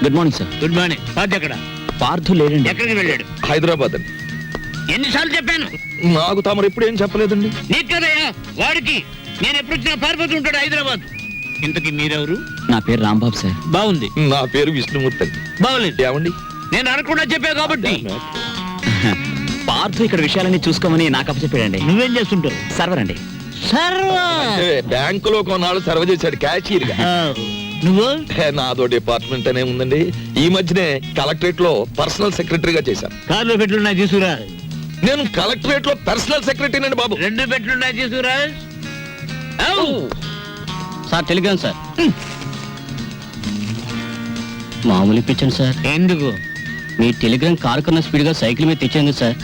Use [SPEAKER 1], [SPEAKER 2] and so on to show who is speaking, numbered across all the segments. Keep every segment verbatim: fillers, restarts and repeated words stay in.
[SPEAKER 1] Good morning sir.
[SPEAKER 2] Good morning. Parth ఎక్కడ?
[SPEAKER 1] పార్థు లేడండి.
[SPEAKER 2] ఎక్కడికి వెళ్ళాడు?
[SPEAKER 3] హైదరాబాద్ అండి.
[SPEAKER 2] ఎన్నిసార్లు చెప్పాను?
[SPEAKER 3] నాకు తమరు ఎప్పుడు ఏం చెప్పలేదండి.
[SPEAKER 2] నీకు కదయ్యా, వాడికి. నేను ఎప్పుడు వచ్చినా పారిపోతూ ఉంటాడు హైదరాబాద్. ఇంతకీ మీరెవరు?
[SPEAKER 1] నా పేరు రాంబాబు సార్.
[SPEAKER 2] బాగుంది.
[SPEAKER 3] నా పేరు విష్ణుమూర్తి అండి.
[SPEAKER 2] బాగులేదు.
[SPEAKER 3] ఏమండి?
[SPEAKER 2] నేను అనకుండా చెప్పా కాబట్టి.
[SPEAKER 1] పార్థు ఇక్కడ విషయాలన్నీ చూసుకోమని నాకు అప్పచెప్పాడండి.
[SPEAKER 2] నువ్వేం చేస్తుంటావు?
[SPEAKER 1] సర్వర్ అండి.
[SPEAKER 3] అంటే బ్యాంకులో కొన్నాళ్ళు సర్వ్ చేశాడు క్యాషియర్ గా.
[SPEAKER 2] నువ్వు?
[SPEAKER 3] నాదో డిపార్ట్మెంట్ అనే ఉందండి. ఈ మధ్యనే కలెక్టరేట్ లో పర్సనల్ సెక్రటరీగా చేశాను.
[SPEAKER 2] కార్లో పెట్లున్నాయి తీసుకురా.
[SPEAKER 3] నేను కలెక్టరేట్ లో పర్సనల్ సెక్రటరీ అండి బాబు.
[SPEAKER 2] రెండు పెట్లున్నాయి తీసుకురా.
[SPEAKER 1] Sir telegram sir. మామూలు ఇప్పించండి సార్.
[SPEAKER 2] ఎందుకు?
[SPEAKER 1] మీ టెలిగ్రామ్ కారు కన్నా స్పీడ్ గా సైకిల్ మీద తెచ్చేందుకు సార్.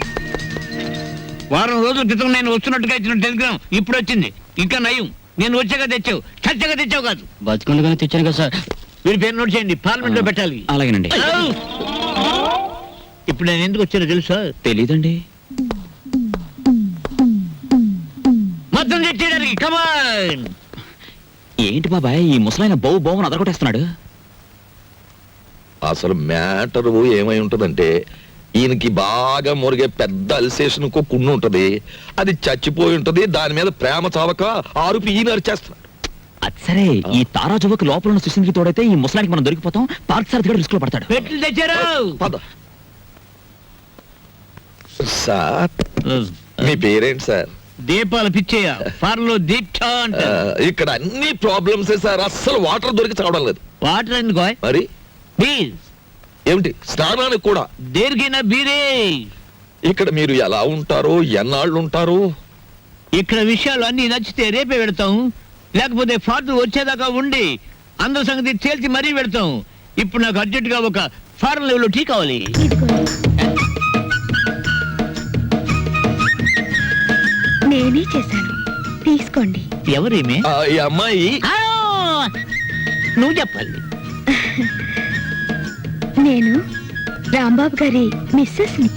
[SPEAKER 2] వారం రోజుల క్రితం నేను వస్తున్నట్టుగా ఇచ్చిన టెలిగ్రామ్ ఇప్పుడు వచ్చింది. ఇంకా నయం, నేను వచ్చాక తెచ్చావు, చచ్చాక తెచ్చావు కాదు.
[SPEAKER 1] బతుకుండగానే తెచ్చాను కదా సార్.
[SPEAKER 2] మీరు పేరు నోట్ చేయండి, పార్లమెంట్ లో పెట్టాలి.
[SPEAKER 1] అలాగేనండి.
[SPEAKER 2] ఇప్పుడు నేను ఎందుకు వచ్చానో తెలుసా?
[SPEAKER 1] తెలీదండి.
[SPEAKER 2] మొత్తం తెచ్చేయడానికి. కమాన్.
[SPEAKER 1] ఏంటి బాబాయ్ ఈ ముసలాయన బౌ బౌని అదరగొట్టేస్తున్నాడు?
[SPEAKER 3] అసలు మ్యాటర్ ఏమై ఉంటదంటే, ఈయనకి బాగా మురిగే పెద్ద అల్సేషన్ కుండు ఉంటది. అది చచ్చిపోయి ఉంటది. దాని మీద ప్రేమ చావక ఆరుపి ఈయన అరిచేస్తున్నాడు.
[SPEAKER 1] అది సరే, ఈ తారాజువకు లోపల ఉన్న సుశీల్కి తోడైతే ఈ ముసలానికి మనం దొరికిపోతాం. పార్క్ సార్ రిస్క్ లో పడతాడు.
[SPEAKER 2] పెట్లు తెచ్చారు.
[SPEAKER 3] పద సార్. మీ పేరేంటి సార్?
[SPEAKER 2] దీపాల పిచ్చేయ. ఫార్మ్ లో దీక్ష అంట.
[SPEAKER 3] ఇక్కడ అన్ని ప్రాబ్లమ్స్ సార్. అస్సలు వాటర్ దొరికి చావడం లేదు.
[SPEAKER 2] వాటర్ ఎందుకో?
[SPEAKER 3] మరి
[SPEAKER 2] బీర్.
[SPEAKER 3] ఏమిటి స్నానానికి కూడా?
[SPEAKER 2] దేనికైనా బీరే.
[SPEAKER 3] ఇక్కడ మీరు ఎలా ఉంటారు, ఎన్నాళ్ళు ఉంటారు?
[SPEAKER 2] ఇక్కడ విషయాలు అన్ని నచ్చితే రేపే పెడతాం, లేకపోతే ఫాదర్ వచ్చేదాకా ఉండి అందరి సంగతి తేల్చి మరీ పెడతాం. ఇప్పుడు నాకు అర్జెంట్ గా ఒక ఫారెన్ లెవెల్ టీ కావాలి.
[SPEAKER 4] నేనే చేశాను, తీసుకోండి.
[SPEAKER 2] ఎవరేమే?
[SPEAKER 3] ఆ, ఈ అమ్మాయి
[SPEAKER 2] ఆ, నువ్వు చెప్పాలి.
[SPEAKER 4] నేను రాంబాబు గారి మిస్సెస్ ని.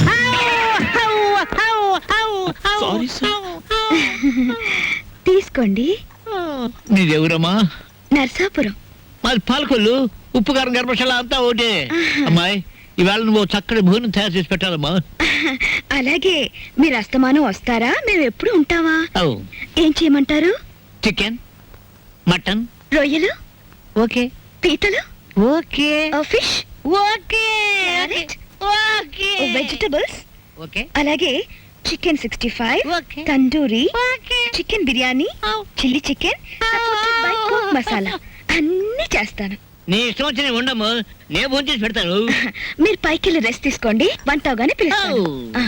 [SPEAKER 1] Sorry sir.
[SPEAKER 4] తీసుకోండి.
[SPEAKER 2] నీదెవరమ్మా?
[SPEAKER 4] నర్సాపురం.
[SPEAKER 2] మాది పాలకొల్లు. ఉప్పు కారం గర్భశాల అంతా ఒకటే. అమ్మాయి, ఇవాళ నువ్వు చక్కటి భోజనం తయారు చేసి పెట్టాలమ్మా.
[SPEAKER 4] అలాగే. మీరు అస్తమానం వస్తారా? మేము ఎప్పుడు ఉంటావా?
[SPEAKER 2] అవు.
[SPEAKER 4] ఏం చేయమంటారు?
[SPEAKER 2] చికెన్, మటన్,
[SPEAKER 4] రొయ్యలు,
[SPEAKER 2] ఓకే.
[SPEAKER 4] పీతలు,
[SPEAKER 2] okay.
[SPEAKER 4] Fish,
[SPEAKER 2] okay. Okay.
[SPEAKER 4] Vegetables,
[SPEAKER 2] okay.
[SPEAKER 4] అలాగే chicken sixty five,
[SPEAKER 2] okay.
[SPEAKER 4] Tandoori,
[SPEAKER 2] okay.
[SPEAKER 4] Chicken biryani, chilli chicken, supported by cook masala అన్ని చేస్తాను.
[SPEAKER 2] నీ ఇష్టం వచ్చి ఉండము, నేను భోజనం చేసి పెడతాను.
[SPEAKER 4] మీరు పైకి వెళ్ళి రెస్ట్ తీసుకోండి, వంట అవగానే పిలుస్తాను.
[SPEAKER 2] Oh.